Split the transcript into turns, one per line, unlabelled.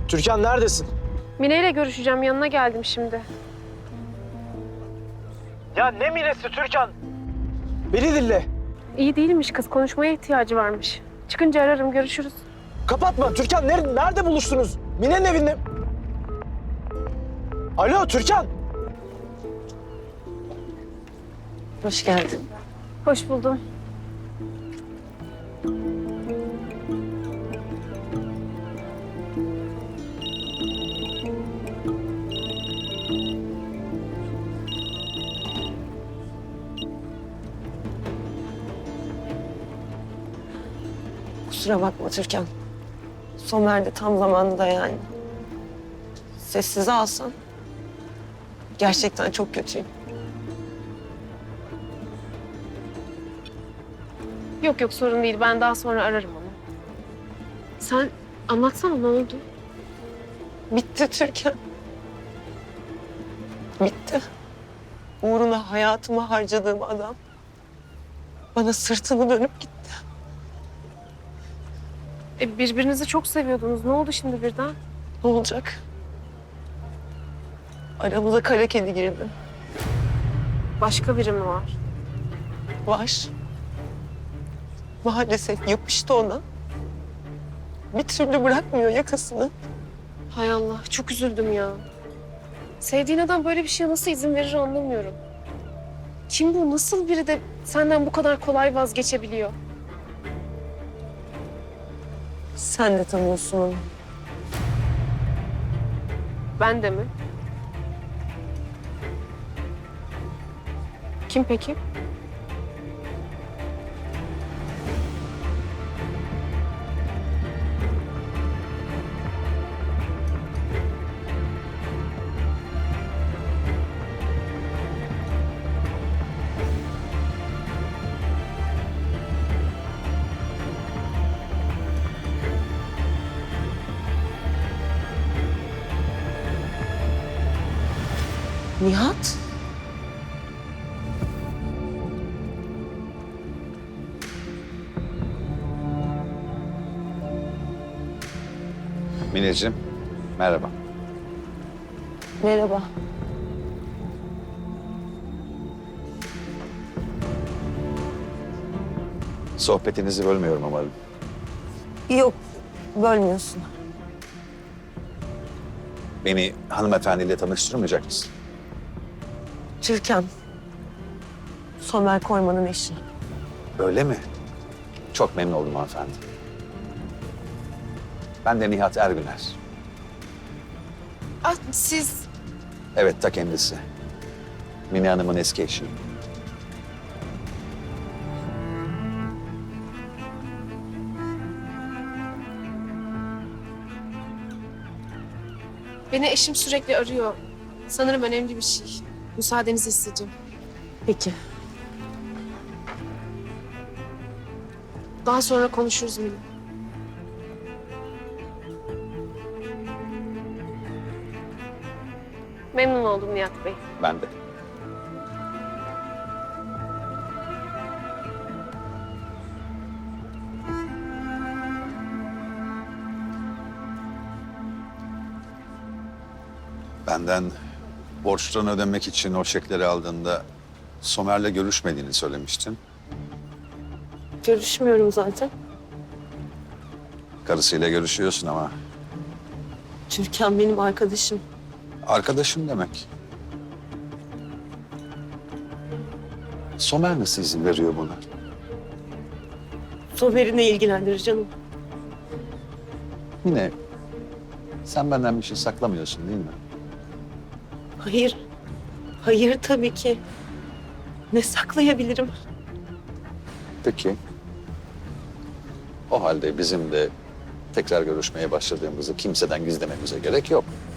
Türkan neredesin?
Mine ile görüşeceğim. Yanına geldim şimdi.
Ya ne Mine'si Türkan? Beni dinle.
İyi değilmiş kız. Konuşmaya ihtiyacı varmış. Çıkınca ararım. Görüşürüz.
Kapatma Türkan. Nerede buluştunuz? Mine'nin evinde. Alo Türkan.
Hoş geldin.
Hoş buldum.
Kusura bakma Türkan. Somer de tam zamanında yani. Sessize alsan. Gerçekten çok kötüyüm.
Yok sorun değil. Ben daha sonra ararım onu. Sen anlatsana ne oldu?
Bitti Türkan. Bitti. Uğruna hayatımı harcadığım adam bana sırtını dönüp gitti.
Birbirinizi çok seviyordunuz. Ne oldu şimdi birden?
Ne olacak? Aramıza kara kedi girdi.
Başka biri mi var?
Var. Maalesef yapıştı ona. Bir türlü bırakmıyor yakasını.
Hay Allah. Çok üzüldüm ya. Sevdiğin adam böyle bir şeye nasıl izin verir anlamıyorum. Kim bu? Nasıl biri de senden bu kadar kolay vazgeçebiliyor?
Sen de tanıyorsun onu.
Ben de mi? Kim peki?
Nihat?
Mineciğim, merhaba.
Merhaba.
Sohbetinizi bölmüyorum umarım.
Yok, bölmüyorsun.
Beni hanımefendiyle tanıştırmayacak mısın?
Türkan. Somer Korman'ın eşi.
Öyle mi? Çok memnun oldum hanımefendi. Ben de Nihat Ergüner.
Ah, siz...
Evet, ta kendisi. Mine Hanım'ın eski eşi.
Beni eşim sürekli arıyor. Sanırım önemli bir şey. Müsaadenizi isteyeceğim.
Peki.
Daha sonra konuşuruz Mine. Memnun oldum Nihat Bey.
Ben de. Benden borçlarını ödemek için o çekleri aldığında Somer'le görüşmediğini söylemiştin.
Görüşmüyorum zaten.
Karısıyla görüşüyorsun ama
Türkan benim arkadaşım.
arkadaşın demek. Somer nasıl izin veriyor buna?
Somer'i ne ilgilendirir canım?
Yine sen benden bir şey saklamıyorsun değil mi?
Hayır. Hayır tabii ki. Ne saklayabilirim?
Peki. O halde bizim de tekrar görüşmeye başladığımızı kimseden gizlememize gerek yok.